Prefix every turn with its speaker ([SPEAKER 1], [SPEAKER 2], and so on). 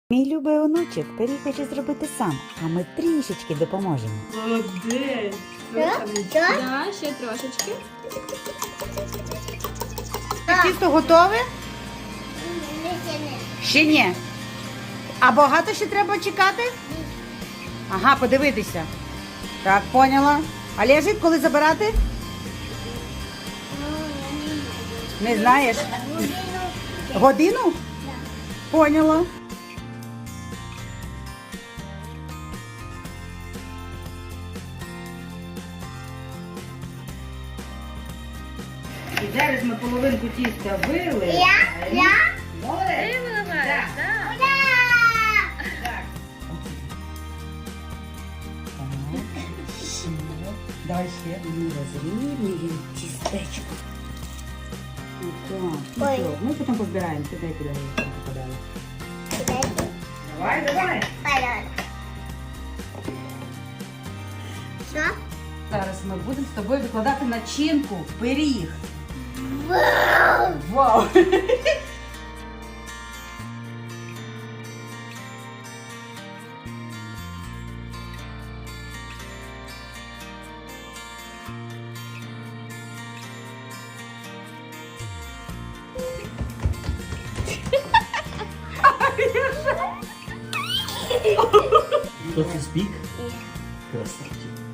[SPEAKER 1] Мій любий онучок пиріг хоче зробити сам, а ми трішечки допоможемо.
[SPEAKER 2] Молодець.
[SPEAKER 3] Да, ще трошечки.
[SPEAKER 1] Тісто готове? Ще ні. А багато ще треба чекати? Ага, подивитися. Так, поняла. А лежить, коли забирати? Не знаєш? Годину? Поняла. І зараз ми половинку тіста вили. Молодець.
[SPEAKER 3] Ти виливаєш, так?
[SPEAKER 1] Так. Давай ще розрівнюємо тістечко. Отак.
[SPEAKER 4] Ой.
[SPEAKER 1] Все, ми потім позбираємо. Куди я попадала. Давай.
[SPEAKER 4] Що?
[SPEAKER 1] Зараз ми будемо з тобою викладати начинку в пиріг. Вау!
[SPEAKER 2] Хто це спік? Красавчик.